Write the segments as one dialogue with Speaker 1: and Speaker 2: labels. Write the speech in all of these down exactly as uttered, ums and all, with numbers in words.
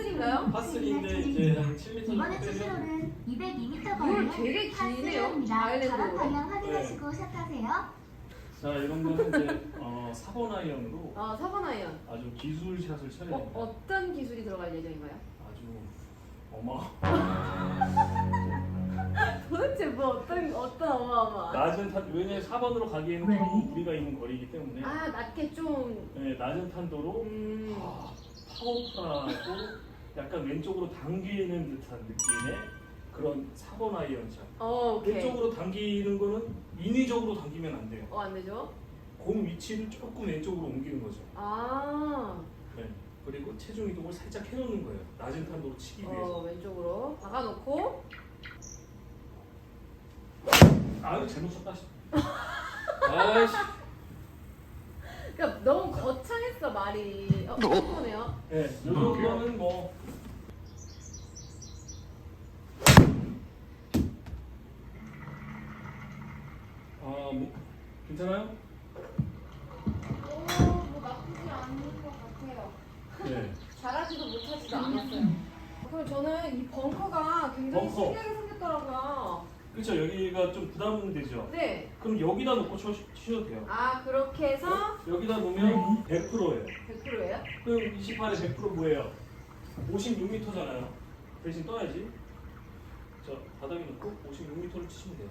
Speaker 1: 파슬인가요?
Speaker 2: 파슬인데 이제 한 칠 미터
Speaker 3: 이번에
Speaker 2: 정도 빼면
Speaker 3: 수시로는 이백이 미터
Speaker 1: 이거
Speaker 3: 거리는
Speaker 1: 되게 기네요.
Speaker 3: 파슬입니다.
Speaker 1: 아일랜드
Speaker 3: 바람
Speaker 1: 로.
Speaker 3: 방향 확인하시고 샷하세요.
Speaker 2: 자 이런 거는 이제 어, 사 번 아이언으로
Speaker 1: 아, 사 번 아이언.
Speaker 2: 아주 기술샷을 쳐야
Speaker 1: 어,
Speaker 2: 됩니다.
Speaker 1: 어떤 기술이 들어갈 예정인가요?
Speaker 2: 아주 어마
Speaker 1: 도대체 뭐 어떤 어떤 어마어마.
Speaker 2: 낮은 탄 왜냐면 사 번으로 가기에는
Speaker 3: 네.
Speaker 2: 조금 무리가 있는 거리이기 때문에
Speaker 1: 아, 낮게 좀.
Speaker 2: 네, 낮은 탄도로
Speaker 1: 음.
Speaker 2: 아, 파워풀하고 약간 왼쪽으로 당기는 듯한 느낌의 그런 사 번 아이언샷.
Speaker 1: 어, 오케이.
Speaker 2: 왼쪽으로 당기는 거는 인위적으로 당기면 안 돼요.
Speaker 1: 어, 안 되죠?
Speaker 2: 공 위치를 조금 왼쪽으로 옮기는 거죠.
Speaker 1: 아.
Speaker 2: 네. 그리고 체중 이동을 살짝 해놓는 거예요. 낮은 탄도로 치기 위해서.
Speaker 1: 어, 왼쪽으로 박아놓고.
Speaker 2: 아유 잘못 쳤다. 아이씨.
Speaker 1: 그러니까 너무 거창했어 말이. 어, 이거네요.
Speaker 2: 네, 요 정도는 뭐 아, 뭐 괜찮아요?
Speaker 1: 오, 뭐 나쁘지 않은 것 같아요.
Speaker 2: 네.
Speaker 1: 잘하지도 못하지도 않았어요. 그럼 저는 이 벙커가 굉장히
Speaker 2: 벙커.
Speaker 1: 신기하게 생겼더라고요.
Speaker 2: 그렇죠. 여기가 좀 부담은 되죠.
Speaker 1: 네.
Speaker 2: 그럼 여기다 놓고 쳐, 치셔도 돼요.
Speaker 1: 아, 그렇게 해서
Speaker 2: 여기다 놓으면 백 퍼센트예요.
Speaker 1: 백 퍼센트예요?
Speaker 2: 그럼 이십팔에 백 퍼센트 뭐예요? 오십육 미터잖아요. 대신 떠야지. 자, 바닥에 놓고 오십육 미터를 치시면 돼요.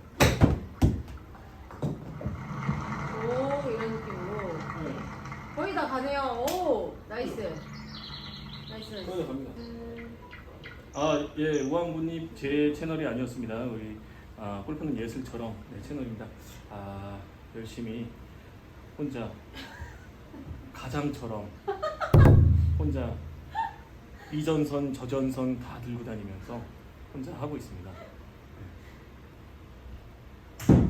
Speaker 1: 오, 이런 느낌으로.
Speaker 2: 네.
Speaker 1: 거의 다 가네요. 오, 나이스. 나이스, 나이스.
Speaker 2: 거기다 갑니다.
Speaker 1: 음,
Speaker 2: 아, 예, 우왕부님 제 채널이 아니었습니다. 우리 아, 골프는 예술처럼 네, 채널입니다. 아, 열심히 혼자 가장처럼 혼자 이전선, 저전선 다 들고 다니면서 혼자 하고 있습니다. 네.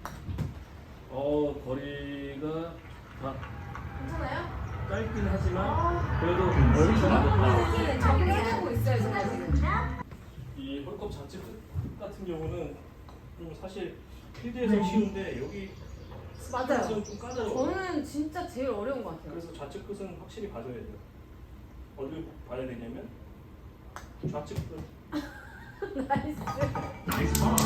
Speaker 2: 어, 거리가 다
Speaker 1: 괜찮아요?
Speaker 2: 짧긴 하지만
Speaker 1: 아,
Speaker 2: 그래도 멀리서 나왔다.
Speaker 1: 네, 정리하고 있어요, 제가 지금.
Speaker 2: 이 홀컵 자체 끝 같은 경우는 좀 사실 필드에서 쉬운데 여기
Speaker 1: 맞아요.
Speaker 2: 스크린에서는 좀 까다로워요.
Speaker 1: 저는 진짜 제일 어려운 것 같아요.
Speaker 2: 그래서 좌측 끝은 확실히 봐줘야 돼요. 어디를 봐야 되냐면 좌측 끝.
Speaker 1: 나이스.
Speaker 3: 나이스요.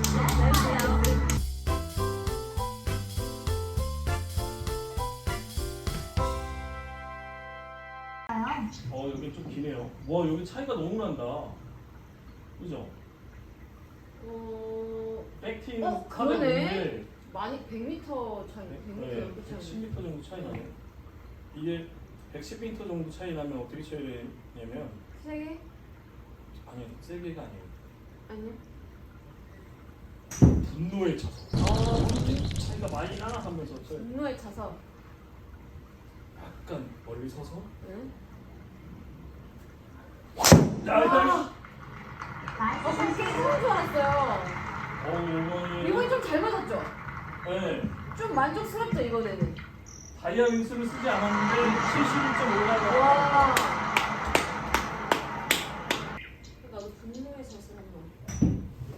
Speaker 2: 어 여기 좀 기네요. 와 여기 차이가 너무 난다. 그죠?
Speaker 1: 어,
Speaker 2: 백팀
Speaker 1: 어,
Speaker 2: 카드
Speaker 1: 그러네. 많이 백 미터 차이, 백 미터
Speaker 2: 네,
Speaker 1: 넘게 차이.
Speaker 2: 백십 미터 정도 차이 나요. 이게 백십 미터 정도 차이 나면 어떻게 쳐야 되냐면
Speaker 1: 세 개?
Speaker 2: 아니요 세게가 아니에요.
Speaker 1: 아니요.
Speaker 2: 분노에 차서.
Speaker 1: 어,
Speaker 2: 차이가 많이 나나 하면서 쳐요.
Speaker 1: 분노에 차서.
Speaker 2: 약간 멀리 서서.
Speaker 1: 응?
Speaker 2: 야, 일단
Speaker 1: 아,
Speaker 3: 나이스
Speaker 1: 그렇게
Speaker 3: 샷.
Speaker 1: 좋은 줄 알았어요.
Speaker 2: 어 이번이
Speaker 1: 이번이 좀 잘 맞았죠?
Speaker 2: 네.
Speaker 1: 좀 만족스럽죠, 이번에는?
Speaker 2: 다이아 윙스를 쓰지 않았는데 칠십일 점 오가
Speaker 1: 와. 나도 분노의 샷을 한번.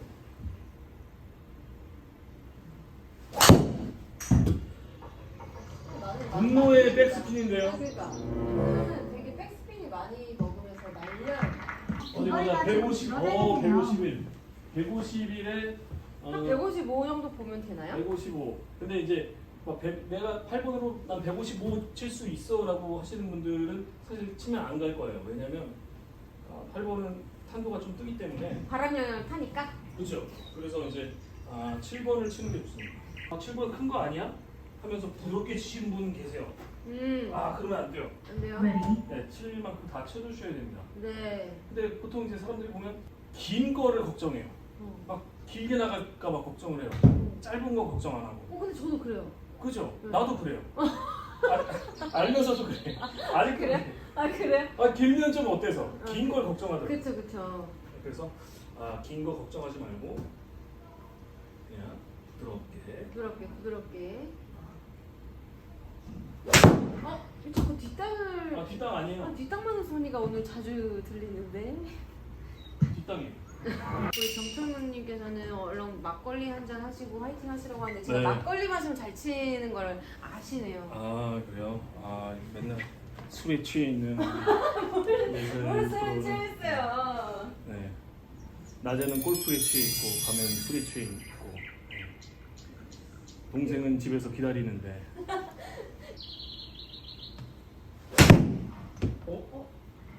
Speaker 1: 나는
Speaker 2: 분노의 백스핀인데요.
Speaker 1: 그러니까 저는 되게 백스핀이 많이 먹으면서 날려요.
Speaker 2: 어디 보자. 백오십. 어, 백오십일. 백오십일에 어,
Speaker 1: 한 백오십오 정도 보면 되나요?
Speaker 2: 백오십오. 근데 이제 막 백, 내가 팔 번으로 난 백오십오 칠 수 있어라고 하시는 분들은 사실 치면 안 갈 거예요. 왜냐면 어, 팔 번은 탄도가 좀 뜨기 때문에.
Speaker 1: 바람 영향을 타니까.
Speaker 2: 그렇죠. 그래서 이제 아, 칠 번을 치는 게 좋습니다. 아, 칠 번 큰 거 아니야? 하면서 부드럽게 치시는 분 계세요.
Speaker 1: 음.
Speaker 2: 아, 그러면 안 돼요.
Speaker 1: 안 돼요?
Speaker 2: 네, 칠 만큼 다 쳐주셔야 됩니다.
Speaker 1: 네.
Speaker 2: 근데 보통 이제 사람들이 보면 긴 거를 걱정해요.
Speaker 1: 어.
Speaker 2: 막 길게 나갈까 봐 걱정을 해요. 짧은 거 걱정 안 하고.
Speaker 1: 어, 근데 저도 그래요.
Speaker 2: 그죠?
Speaker 1: 응.
Speaker 2: 나도 그래요. 아, 알면서도 그래. 아직
Speaker 1: 그래요? 아, 그래요?
Speaker 2: 아, 길면 좀 어때서?
Speaker 1: 응.
Speaker 2: 긴 걸 걱정하더라고.
Speaker 1: 그쵸, 그쵸.
Speaker 2: 그래서 아, 긴 거 걱정하지 말고 그냥 부드럽게.
Speaker 1: 부드럽게, 부드럽게. 어? 자꾸 뒷땅을.
Speaker 2: 아, 뒷땅
Speaker 1: 아,
Speaker 2: 아니에요.
Speaker 1: 뒷땅 맞는 소리가 오늘 자주 들리는데.
Speaker 2: 뒷땅이에요.
Speaker 1: 우리 정철문님께서는 얼른 막걸리 한 잔 하시고 화이팅 하시라고 하는데 제가
Speaker 2: 네.
Speaker 1: 막걸리 마시면 잘 치는 걸 아시네요.
Speaker 2: 아, 그래요? 아, 맨날 술에 취해 있는 예전
Speaker 1: 뭘 술에
Speaker 2: 프로는-
Speaker 1: 취했어요.
Speaker 2: 네. 낮에는 골프에 취해 있고 밤에는 술에 취해 있고 네. 동생은 집에서 기다리는데 어?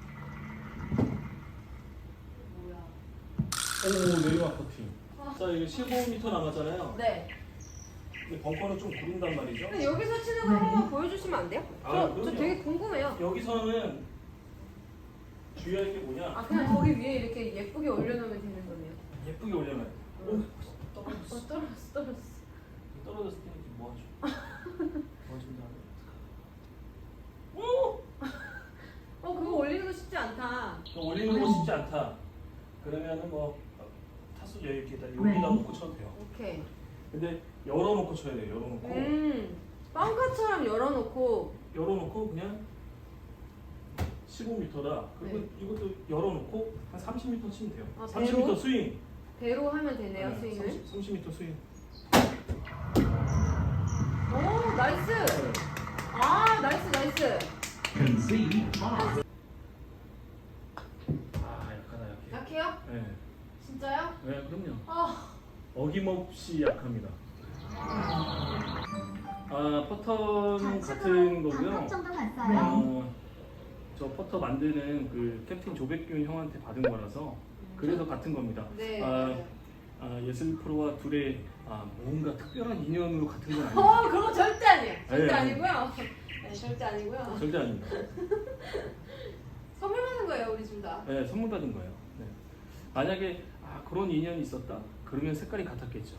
Speaker 1: 뭐야?
Speaker 2: 오 내리막 퍼팅. 자 이거 십오 미터 남았잖아요.
Speaker 1: 네.
Speaker 2: 근데 벙커는 좀 구른단 말이죠.
Speaker 1: 근데 여기서 치는 거 한번 보여주시면 안 돼요?
Speaker 2: 아,
Speaker 1: 저, 저
Speaker 2: 그럼요.
Speaker 1: 되게 궁금해요.
Speaker 2: 여기서는 주의할 게 뭐냐?
Speaker 1: 아 그냥 거기 위에 이렇게 예쁘게 올려놓으면 되는 거네요.
Speaker 2: 예쁘게 올려놔요. 오
Speaker 1: 어
Speaker 2: 떨어졌어.
Speaker 1: 떨어졌어 떨어졌어.
Speaker 2: 떨어졌을 때 이제 뭐 하죠? 뭐 하신다? 오!
Speaker 1: 어 그거 올리는 거 쉽지 않다.
Speaker 2: 올리는 거 쉽지 않다. 그러면은 뭐 타수 여기다 여기다 놓고 쳐도 돼요.
Speaker 1: 오케이.
Speaker 2: 근데 열어놓고 쳐야 돼요. 열어놓고
Speaker 1: 음. 빵카처럼 열어놓고.
Speaker 2: 열어놓고 그냥 십오 미터다. 그리고
Speaker 1: 네.
Speaker 2: 이것도 열어놓고 한 삼십 미터 치면 돼요.
Speaker 1: 아,
Speaker 2: 삼십
Speaker 1: 배로?
Speaker 2: 미터 스윙.
Speaker 1: 배로 하면 되네요
Speaker 2: 네,
Speaker 1: 스윙을.
Speaker 2: 삼십, 삼십 미터 스윙.
Speaker 1: 오 나이스. 아 나이스 나이스.
Speaker 3: Concede five.
Speaker 2: 아 약하다 약해.
Speaker 1: 약해요?
Speaker 2: 네,
Speaker 1: 진짜요?
Speaker 2: 네 그럼요.
Speaker 1: 아.
Speaker 2: 어김없이 약합니다. 아 퍼턴 같은
Speaker 3: 좌측으로
Speaker 2: 거고요.
Speaker 3: 반컵 정도 갔어요.
Speaker 2: 어, 저 퍼터 만드는 그 캡틴 조백균 형한테 받은 거라서 그래서 같은 겁니다.
Speaker 1: 네.
Speaker 2: 아, 아, 예슬 프로와 둘의 아, 뭔가 특별한 인연으로 같은 건 아니에요.
Speaker 1: 어 그거 절대 아니에요. 절대
Speaker 2: 네,
Speaker 1: 아니고요. 네, 절대 아니고요.
Speaker 2: 절대 아닙니다.
Speaker 1: 선물 받는 거예요 우리 둘 다.
Speaker 2: 네, 선물 받은 거예요. 네. 만약에 아, 그런 인연이 있었다. 그러면 색깔이 같았겠죠.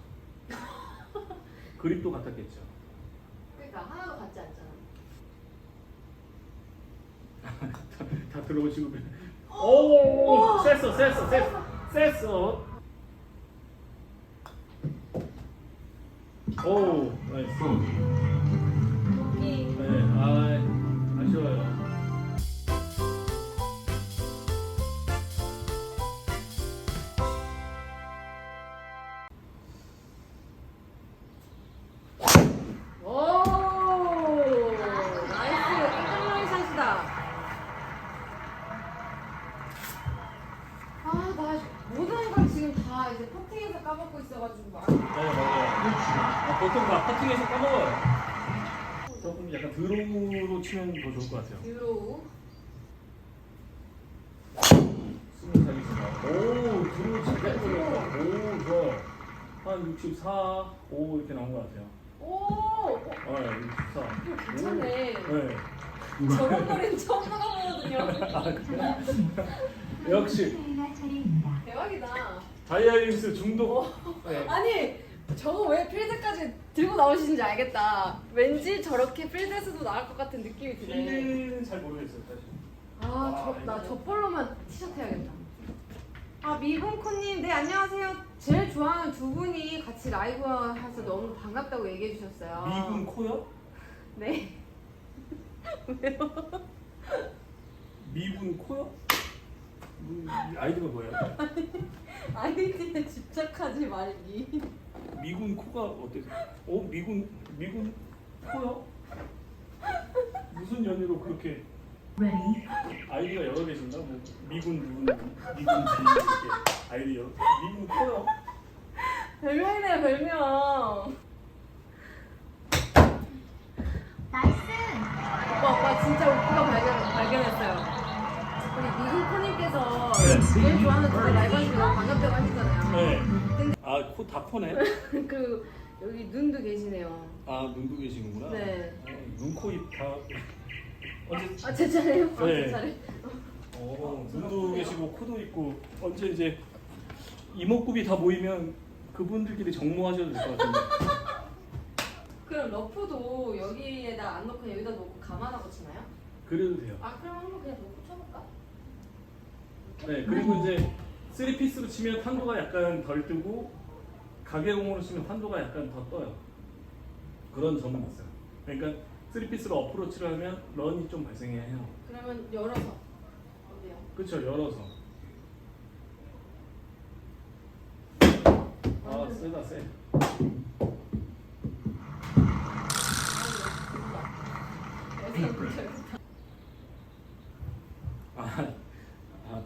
Speaker 2: 그립도 같았겠죠.
Speaker 1: 그러니까 하나도 같지 않잖아.
Speaker 2: 다, 다 들어오시고 오, 셌어, 셌어, 셌어, 셌어. 오, 나이스.
Speaker 1: 이
Speaker 2: 네, 아, 아쉬워요.
Speaker 1: 오 나이스 깜짝놀이 샷이다. 아나 모든 걸 지금 다 이제 퍼팅에서 까먹고 있어가지고 막.
Speaker 2: 네, 맞아요. 아, 보통 막 퍼팅에서 까먹어요. 조금 약간 드로우로 치면 더 좋을 것 같아요.
Speaker 1: 드로우.
Speaker 2: 스무 살이구나. 오, 드로우 잘 걸렸다. 오, 좋아. 한 육십사, 오 이렇게 나온 것 같아요.
Speaker 1: 오
Speaker 2: 아, 육십사.
Speaker 1: 괜찮네.
Speaker 2: 오, 네.
Speaker 1: 저런 거리는 처음 나가보거든요.
Speaker 2: 아, 그래요? 역시
Speaker 3: 수혜가 차례입니다.
Speaker 1: 대박이다.
Speaker 2: 다이아리스 중독. 네.
Speaker 1: 아니 저거 왜 필드까지 들고 나오시는지 알겠다. 왠지 저렇게 필드에서도 나올 것 같은 느낌이 드네.
Speaker 2: 필드는 잘 모르겠어요, 사실.
Speaker 1: 아나 저볼로만 티셔츠 해야겠다. 아 미분코님 네 안녕하세요. 제일 좋아하는 두 분이 같이 라이브 해서 너무 반갑다고 얘기해 주셨어요.
Speaker 2: 미군 코요?
Speaker 1: 네.
Speaker 2: 미군 코요? 음, 아이디가 뭐예요?
Speaker 1: 아이디에 집착하지 말기.
Speaker 2: 미군 코가 어때서? 어 미군 미군 코요? 무슨 연유로 그렇게
Speaker 3: Ready.
Speaker 2: 아이디가 여러 개신가? 뭐 미군 누군 미군 비 이렇게 아이디 여러 미군 코요?
Speaker 1: 별명이네요 별명.
Speaker 3: 나이스.
Speaker 1: 오빠 오빠 진짜 오빠가 발견, 발견했어요. 우리 미국코님께서 제일 좋아하는 두분 라이브 하시면 너무 반갑다고 하시잖아요.
Speaker 2: 네. 아코 다 포네?
Speaker 1: 그 여기 눈도 계시네요.
Speaker 2: 아 눈도 계시는구나.
Speaker 1: 네.
Speaker 2: 어, 눈, 코, 입 다. 언제?
Speaker 1: 아 제 차례요? 아,
Speaker 2: 네.
Speaker 1: 제 차례.
Speaker 2: 어 눈도 계시고 코도 있고 언제 이제 이목구비 다 모이면 그분들끼리 정모하셔도 될 것 같은데.
Speaker 1: 그럼 러프도 여기에다 안 넣고 여기다 놓고 감아하고 치나요?
Speaker 2: 그래도 돼요.
Speaker 1: 아 그럼 한번 그냥 놓고 쳐볼까?
Speaker 2: 네 그리고 이제 쓰리 피스로 치면 탄도가 약간 덜 뜨고 가게공으로 치면 탄도가 약간 더 떠요. 그런 점은 있어요. 그러니까 쓰리 피스로 어프로치를 하면 런이 좀 발생해야 해요.
Speaker 1: 그러면 열어서 어디요?
Speaker 2: 그렇죠 열어서. 아 세다 세.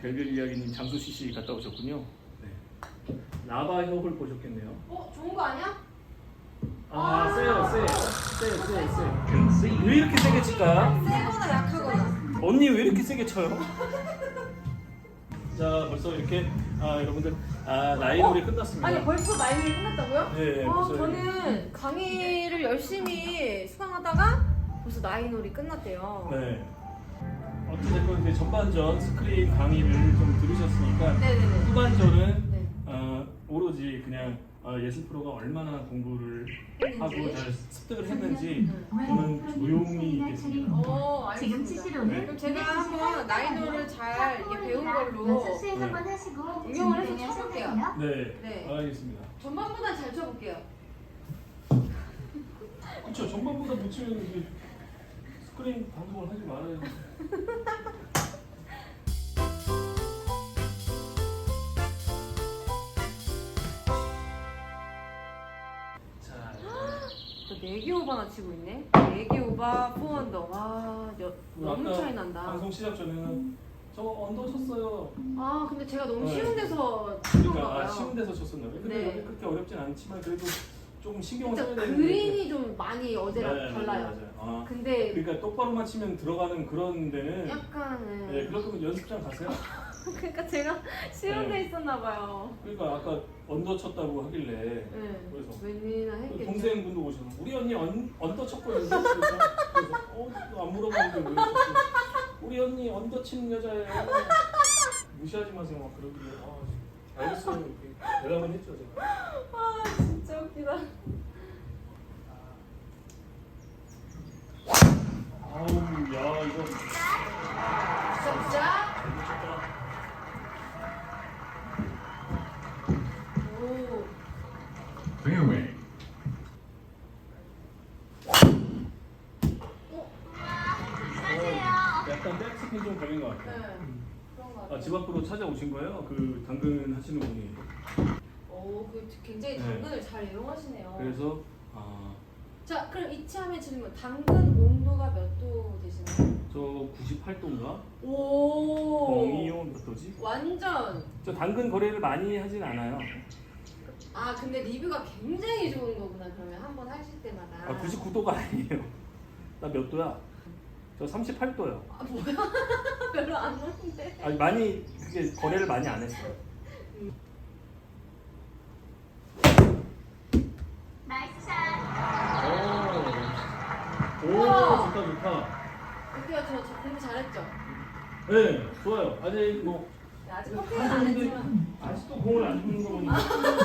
Speaker 2: 별별 이야기님 장수 씨씨 갔다 오셨군요. 네. 라바 혁을 보셨겠네요.
Speaker 1: 어 좋은 거 아니야?
Speaker 2: 아 세요 세, 세, 세, 세. 왜 이렇게 세게 칠까?
Speaker 1: 세거나 약하거나.
Speaker 2: 언니 왜 이렇게 세게 쳐요? 자 벌써 이렇게 아 여러분들 아 나이놀이
Speaker 1: 어?
Speaker 2: 끝났습니다.
Speaker 1: 아니 벌써 나이를 끝났다고요?
Speaker 2: 네,
Speaker 1: 아,
Speaker 2: 벌써
Speaker 1: 저는 강의를 열심히 수강하다가 벌써 나이놀이 끝났대요.
Speaker 2: 네. 어찌됐건 이제 전반전 스크린 강의를 좀 들으셨으니까
Speaker 1: 네네네.
Speaker 2: 후반전은
Speaker 1: 네.
Speaker 2: 어, 오로지 그냥 어, 예술 프로가 얼마나 공부를 하고
Speaker 1: 했는지.
Speaker 2: 잘 습득을 했는지
Speaker 1: 응.
Speaker 2: 저는 조용히 있겠습니다.
Speaker 1: 어
Speaker 3: 지금
Speaker 1: 알겠습니다.
Speaker 3: 치시로는
Speaker 1: 그럼 제가 한번 나이놀을 잘 이렇게 배운 걸로
Speaker 3: 연습 수행
Speaker 2: 네.
Speaker 3: 한번 하시고
Speaker 1: 응용을 해서
Speaker 3: 준비되면
Speaker 1: 쳐볼게요.
Speaker 3: 시작하세요.
Speaker 2: 네,
Speaker 1: 네.
Speaker 2: 알겠습니다.
Speaker 1: 전반보다 잘 쳐볼게요.
Speaker 2: 그렇죠. 전반보다 못 치면 이제 스크린 방송을 하지 말아요. 자,
Speaker 1: 또 네 개 오버나 치고 있네. 네 개 오버, 사 언더. 와, 여, 너무
Speaker 2: 아까
Speaker 1: 차이 난다.
Speaker 2: 방송 시작 전에는 저 언더 쳤어요.
Speaker 1: 아, 근데 제가 너무
Speaker 2: 네.
Speaker 1: 쉬운 데서 친 건가
Speaker 2: 그러니까 아,
Speaker 1: 봐요.
Speaker 2: 쉬운 데서 쳤었나 봐요. 근데
Speaker 1: 네.
Speaker 2: 여기 그렇게 어렵진 않지만 그래도 조금 신경을 써야
Speaker 1: 진짜
Speaker 2: 되는데.
Speaker 1: 그린이 좀 많이 어제랑
Speaker 2: 네,
Speaker 1: 달라요.
Speaker 2: 맞아요. 아,
Speaker 1: 근데
Speaker 2: 그러니까 똑바로만 치면 들어가는 그런 데는
Speaker 1: 약간은
Speaker 2: 네, 그럴 거면 연습장 가세요.
Speaker 1: 그러니까 제가 쉬운
Speaker 2: 네.
Speaker 1: 데 있었나 봐요.
Speaker 2: 그러니까 아까 언더 쳤다고 하길래
Speaker 1: 네.
Speaker 2: 그래서
Speaker 1: 웬일이나
Speaker 2: 그
Speaker 1: 했겠죠.
Speaker 2: 동생분도 오셔서 우리 언니 언, 언더 쳤거든요. 그래서, 그래서 어, 안 물어봤는데 왜 쳤지? 우리 언니 언더 치는 여자예요. 무시하지 마세요. 막 그러길래 아, 알겠어요. 이렇게 대답은 했죠 제가.
Speaker 1: 아, 진짜 웃기다.
Speaker 2: 아우 야 이거
Speaker 1: 진짜? 오.
Speaker 4: Fairway.
Speaker 2: 어, 약간 백스핀 좀 걸린 것
Speaker 1: 네.
Speaker 2: 같아요.
Speaker 1: 그런 거
Speaker 2: 아,
Speaker 1: 같아요.
Speaker 2: 집 앞으로 찾아오신 거예요? 그 당근 하시는 분이.
Speaker 1: 오, 그 굉장히
Speaker 2: 네.
Speaker 1: 당근을 잘 이용하시네요.
Speaker 2: 그래서 아,
Speaker 1: 자, 그럼 이치하면 질문. 당근 온도가 몇 도 되시나요?
Speaker 2: 저 구십팔 도인가?
Speaker 1: 오.
Speaker 2: 공이요 몇 도지?
Speaker 1: 완전.
Speaker 2: 저 당근 거래를 많이 하진 않아요.
Speaker 1: 아, 근데 리뷰가 굉장히 좋은 거구나. 그러면 한 번 하실 때마다.
Speaker 2: 아, 구십구 도가 아니에요. 나 몇 도야? 저 삼십팔 도요.
Speaker 1: 아, 뭐야? 별로 안 좋은데.
Speaker 2: 아니 많이 그게 거래를 많이 안 했어요.
Speaker 3: 나이스 샷.
Speaker 2: 오, 오
Speaker 1: 우와.
Speaker 2: 좋다 좋다.
Speaker 1: 어때요? 저, 저 공부 잘했죠?
Speaker 2: 네, 좋아요. 아직 뭐
Speaker 1: 네, 아직 커피는 안 했지만.
Speaker 2: 아직도 공을 안 주는 거 보니까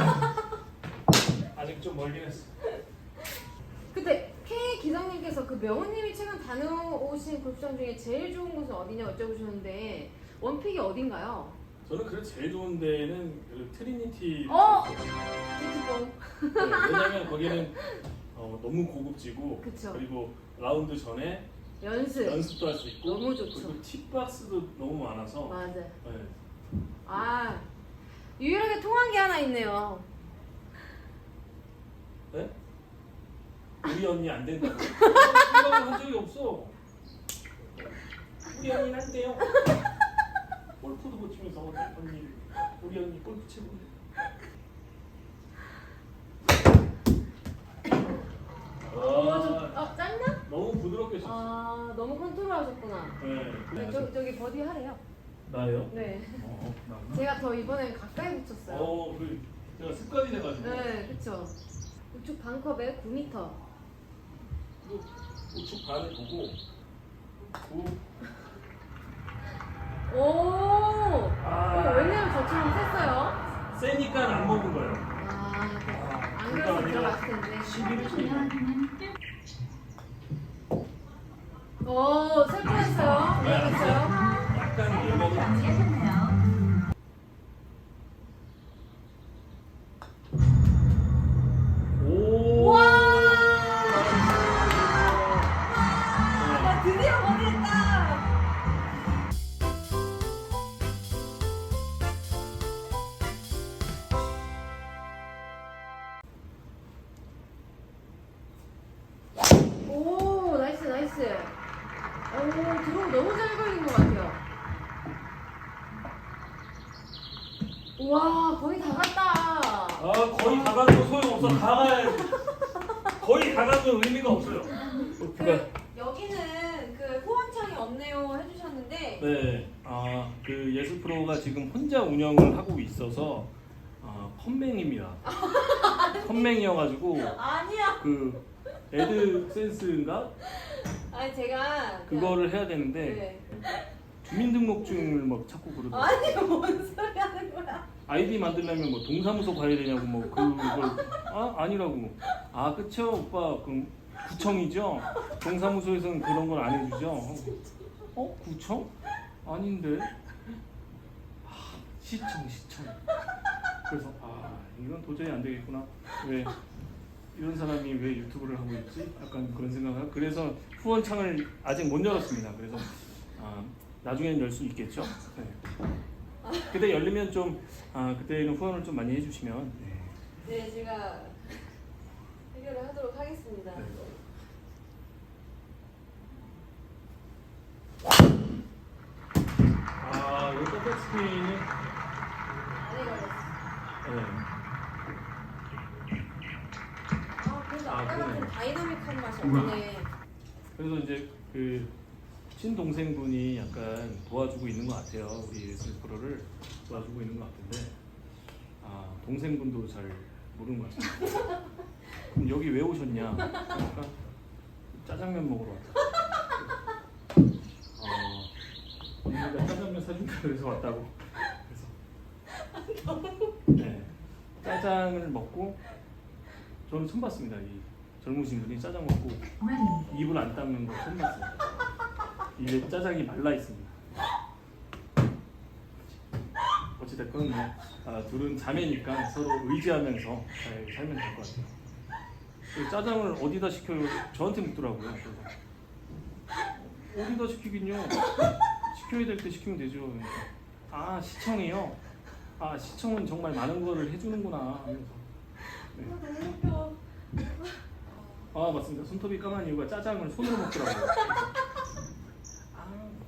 Speaker 2: 아직 좀 멀긴 했어.
Speaker 1: 근데 K 기장님께서 그 명호님이 최근 다녀오신 골프장 중에 제일 좋은 곳은 어디냐 여쭤보셨는데 원픽이 어딘가요?
Speaker 2: 저는 그래 제일 좋은 데는 그 트리니티.
Speaker 1: 어! 지지봉.
Speaker 2: 네, 왜냐면 거기는 어, 너무 고급지고
Speaker 1: 그쵸.
Speaker 2: 그리고 라운드 전에
Speaker 1: 연습.
Speaker 2: 연습도 할 수 있고
Speaker 1: 너무 좋죠.
Speaker 2: 그리고 팁박스도 너무 많아서
Speaker 1: 맞아.
Speaker 2: 네.
Speaker 1: 아, 유일하게 통한 게 하나 있네요.
Speaker 2: 네? 우리 언니 안 된다고 생각을 한 적이 없어. 우리 언니는 안 돼요. 골프도 못 치면서 언니 우리 언니 골프 치고
Speaker 1: 어, 좀, 어, 짧나?
Speaker 2: 너무 부드럽게 쳤어.
Speaker 1: 아, 너무 컨트롤 하셨구나.
Speaker 2: 네,
Speaker 1: 네,
Speaker 2: 그래.
Speaker 1: 저, 저기 버디 하래요.
Speaker 2: 나요?
Speaker 1: 네.
Speaker 2: 어, 나.
Speaker 1: 제가 더 이번엔 가까이 붙였어요.
Speaker 2: 어, 그 제가 습관이 돼가지고.
Speaker 1: 네, 그쵸. 우측 반컵에 구 미터.
Speaker 2: 그 우측 반을 보고 구.
Speaker 1: 오! 오,
Speaker 2: 아.
Speaker 1: 왜냐면 저처럼 셌어요.
Speaker 2: 세니까 안 먹은 거예요.
Speaker 1: 아, 네. 안
Speaker 2: 그러니까
Speaker 1: 그래서
Speaker 2: 우리가
Speaker 1: 들어갔을 텐데.
Speaker 2: 십일 초.
Speaker 1: 오, 셀 뻔했어요.
Speaker 2: 네, 안
Speaker 1: 그랬어요.
Speaker 2: 약간 밀면이
Speaker 3: 정리하셨네요.
Speaker 2: 오.
Speaker 1: 와!
Speaker 2: 네.
Speaker 1: 나 드디어 버디했다. 오, 나이스, 나이스. 오, 드로우 너무 잘 걸린 것 같아요. 우와 거의 다 갔다.
Speaker 2: 아 거의 다 가도 소용없어. 다 가야지. 거의 다 가도 의미가 없어요.
Speaker 1: 그 여기는 그 후원창이 없네요 해주셨는데
Speaker 2: 네, 아, 그 예술 프로가 지금 혼자 운영을 하고 있어서 아, 컴맹입니다. 컴맹이어가지고
Speaker 1: 아니야.
Speaker 2: 그 애드센스인가
Speaker 1: 아니 제가
Speaker 2: 그거를 해야 되는데
Speaker 1: 네.
Speaker 2: 주민등록증을 막 찾고 그러더라고요.
Speaker 1: 아니 뭔 소리 하는 거야?
Speaker 2: 아이디 만들려면 뭐 동사무소 가야 되냐고 뭐 그걸 아 아니라고. 아 그쵸 오빠 그럼 구청이죠? 동사무소에서는 그런 걸 안 해주죠? 어 구청? 아닌데. 아, 시청 시청. 그래서 아 이건 도저히 안 되겠구나. 왜 이런 사람이 왜 유튜브를 하고 있지? 약간 그런 생각을. 그래서 후원창을 아직 못 열었습니다. 그래서 아, 나중에는 열 수 있겠죠. 네. 그때 열리면 좀 아, 그때는 후원을 좀 많이 해주시면. 네.
Speaker 1: 네 제가 해결을 하도록 하겠습니다.
Speaker 2: 네. 아, 이 백스핀은
Speaker 1: 안에 걸렸어.
Speaker 2: 네.
Speaker 1: 아 그래도
Speaker 2: 아,
Speaker 1: 아까 같은
Speaker 2: 그러네.
Speaker 1: 다이나믹한 맛이 없네.
Speaker 2: 그래서 이제 그 친동생분이 약간 도와주고 있는 것 같아요. 우리 예술 프로를 도와주고 있는 것 같은데 아 동생분도 잘 모르는 것 같아요. 그럼 여기 왜 오셨냐? 그러니까 짜장면 먹으러 왔다. 어, 언니가 짜장면 사준다 그래서 왔다고. 그래서 네 짜장을 먹고 저는 처음 봤습니다. 이 젊으신 분이 짜장 먹고
Speaker 3: Ready.
Speaker 2: 입을 안 닦는 거 처음 봤어요. 입에 짜장이 말라 있습니다. 어찌됐건 뭐 아, 둘은 자매니까 서로 의지하면서 잘 살면 될 것 같아요. 그 짜장을 어디다 시켜요? 저한테 묻더라고요. 그래서 어디다 시키긴요. 시켜야 될 때 시키면 되죠. 그러니까. 아 시청이요? 아 시청은 정말 많은 거를 해주는구나 하면서. 네.
Speaker 1: 아 너무 웃겨.
Speaker 2: 아 맞습니다. 손톱이 까만 이유가 짜장을 손으로 먹더라고요. 아,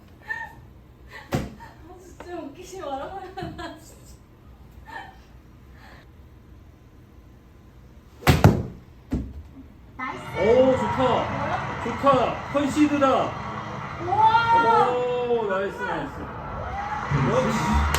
Speaker 1: 아 진짜 웃기지 말아봐요. 나 진짜.
Speaker 3: 나이스.
Speaker 2: 오 좋다, 좋다. 컨시드다.
Speaker 1: 우와.
Speaker 2: 오 나이스 나이스. 역시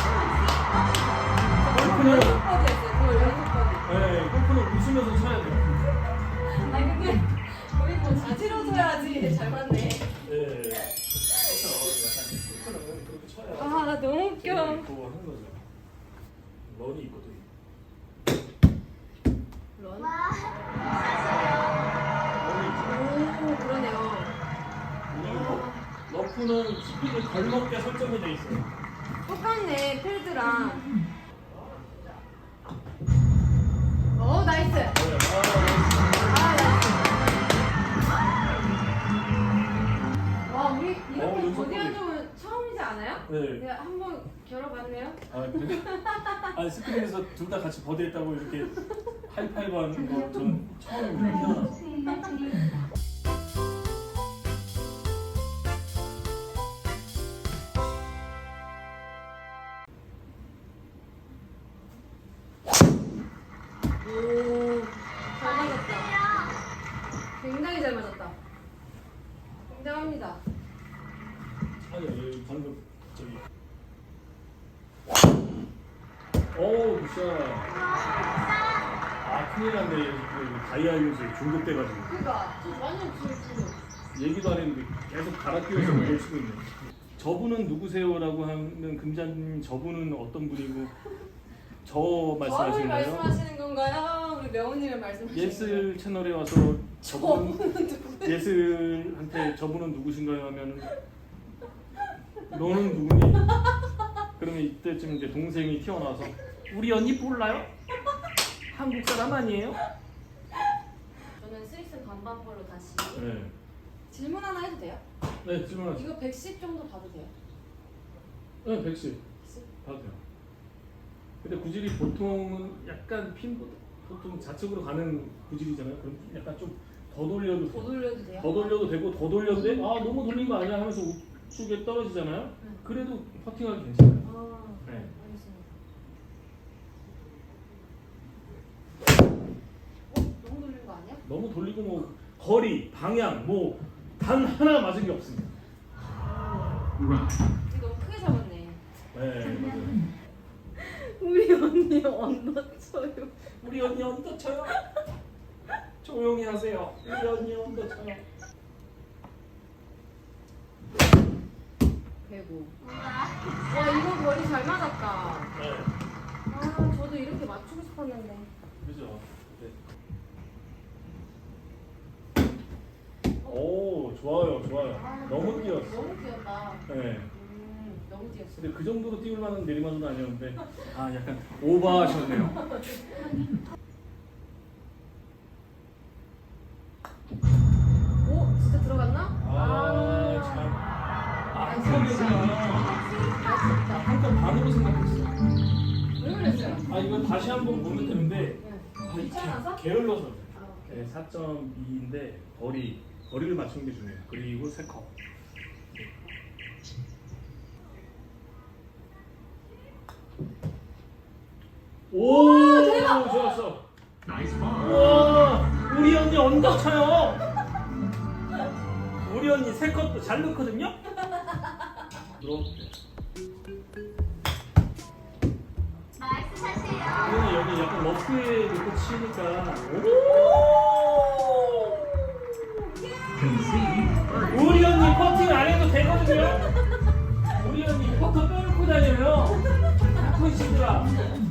Speaker 1: 골프
Speaker 2: 골프는
Speaker 1: 연습 버디였어요. 그거 연습 버디.
Speaker 2: 네 골프는 웃으면서 쳐야 돼요.
Speaker 1: 아니 근데 거의 뭐 자지러져야지 잘 맞네.
Speaker 2: 네. 그렇죠. 약간 골프는 그렇게 쳐야.
Speaker 1: 아 너무 웃겨.
Speaker 2: 있고 하는 거죠. 런이 있거든.
Speaker 1: 런.
Speaker 3: 와.
Speaker 2: 런이 있죠.
Speaker 1: 오 그러네요.
Speaker 2: 그리고 러프는 스피드 걸먹게 설정이 돼 있어요.
Speaker 1: 똑같네 필드랑. 어 나이스.
Speaker 2: 네,
Speaker 1: 아 나이스. 와 우리
Speaker 2: 어,
Speaker 1: 이렇게
Speaker 2: 연습
Speaker 1: 버디한
Speaker 2: 버디.
Speaker 1: 적은 처음이지 않아요?
Speaker 2: 네.
Speaker 1: 내가 한번 겨뤄봤네요.
Speaker 2: 아, 그래? 아니 스크린에서 둘 다 같이 버디했다고 이렇게 하이파이브 하는 거 저는 처음입니다. 태어나서.
Speaker 3: 수행할 차례입니다.
Speaker 1: 오, 잘 맞았다. 굉장히 잘 맞았다. 굉장합니다.
Speaker 2: 아니, 아니 방금 저기. 오, 굿샷. 아, 큰일 났네. 그 다이아 유즈 중독돼가지고.
Speaker 1: 그니까, 저 완전 지금
Speaker 2: 얘기도 안 했는데 계속 갈아 끼워서 뭘 치고 있네. 저분은 누구세요라고 하는 금자님 저분은 어떤 분이고 저
Speaker 1: 저를
Speaker 2: 말씀하시는 거예요?
Speaker 1: 말씀하시는 건가요? 우리 명훈님을 말씀하시는
Speaker 2: 예슬 채널에 와서 저분
Speaker 1: 저분은 누구?
Speaker 2: 예슬한테 저분은 누구신가요 하면 너는 누구니? 그러면 이때쯤 이제 동생이 튀어나와서 우리 언니 몰라요? 한국 사람 아니에요?
Speaker 1: 저는 스위스 반반볼로 다시
Speaker 2: 네.
Speaker 1: 질문 하나 해도 돼요?
Speaker 2: 네 질문하세요.
Speaker 1: 이거 백십 정도 봐도 돼요?
Speaker 2: 네 백십
Speaker 1: 백십?
Speaker 2: 봐도 돼요. 근데 구질이 보통은 약간 핀보다 보통 좌측으로 가는 구질이잖아요. 그럼 약간 좀 더 돌려도
Speaker 1: 더
Speaker 2: 돼요.
Speaker 1: 돌려도 돼요?
Speaker 2: 더 돌려도 되고 더 돌려도 돼? 아 너무 돌린 거 아니야 하면서 우측에 떨어지잖아요.
Speaker 1: 응.
Speaker 2: 그래도 퍼팅하기 괜찮아요.
Speaker 1: 아,
Speaker 2: 네.
Speaker 1: 알겠습니다.
Speaker 2: 너무 돌리고 뭐 거리, 방향 뭐 단 하나 맞은 게 없습니다.
Speaker 4: Right.
Speaker 1: 이거 너무 크게 잡았네.
Speaker 2: 네, 맞아요.
Speaker 1: 우리 언니 언더 쳐요.
Speaker 2: 우리 언니 언더 쳐요. 조용히 하세요. 우리 언니 언더 쳐요.
Speaker 1: 배구. 와 이거 거리 잘 맞았다.
Speaker 2: 네,
Speaker 1: 아 저도 이렇게 맞추고 싶었는데.
Speaker 2: 그죠. 네. 오, 좋아요, 좋아요.
Speaker 1: 아,
Speaker 2: 너무 뛰었어.
Speaker 1: 너무 뛰었다.
Speaker 2: 네.
Speaker 1: 음 너무 뛰었어.
Speaker 2: 근데 그 정도로 띄울 만한 내리막은 아니었는데 아 약간 오버하셨네요.
Speaker 1: 오 진짜 들어갔나?
Speaker 2: 아, 참. 아, 한컵이잖아.
Speaker 1: 아쉽다.
Speaker 2: 한컵 반으로 생각했어.
Speaker 1: 왜 그랬어요?
Speaker 2: 아, 이거 다시 한번 보면 되는데
Speaker 1: 네.
Speaker 2: 아, 이
Speaker 1: 귀찮아서?
Speaker 2: 게- 게을러서.
Speaker 1: 아, 오케이.
Speaker 2: 네, 사 점 이인데 거리, 거리를 맞추는 게 중요해요. 그리고 세 컵. 오,
Speaker 1: 대박!
Speaker 2: 좋았어.
Speaker 4: Nice ball.
Speaker 2: 우와, 우리 언니 언더 쳐요. 우리 언니 세 컵도 잘 넣거든요. 들어올게. 이거는 여기 약간 러프에 놓고 치니까
Speaker 4: Concede birdie.
Speaker 2: 우리 언니 퍼팅 안 해도 되거든요. 우리 언니 퍼터 빼놓고 다녀요. 나쁜 친구라.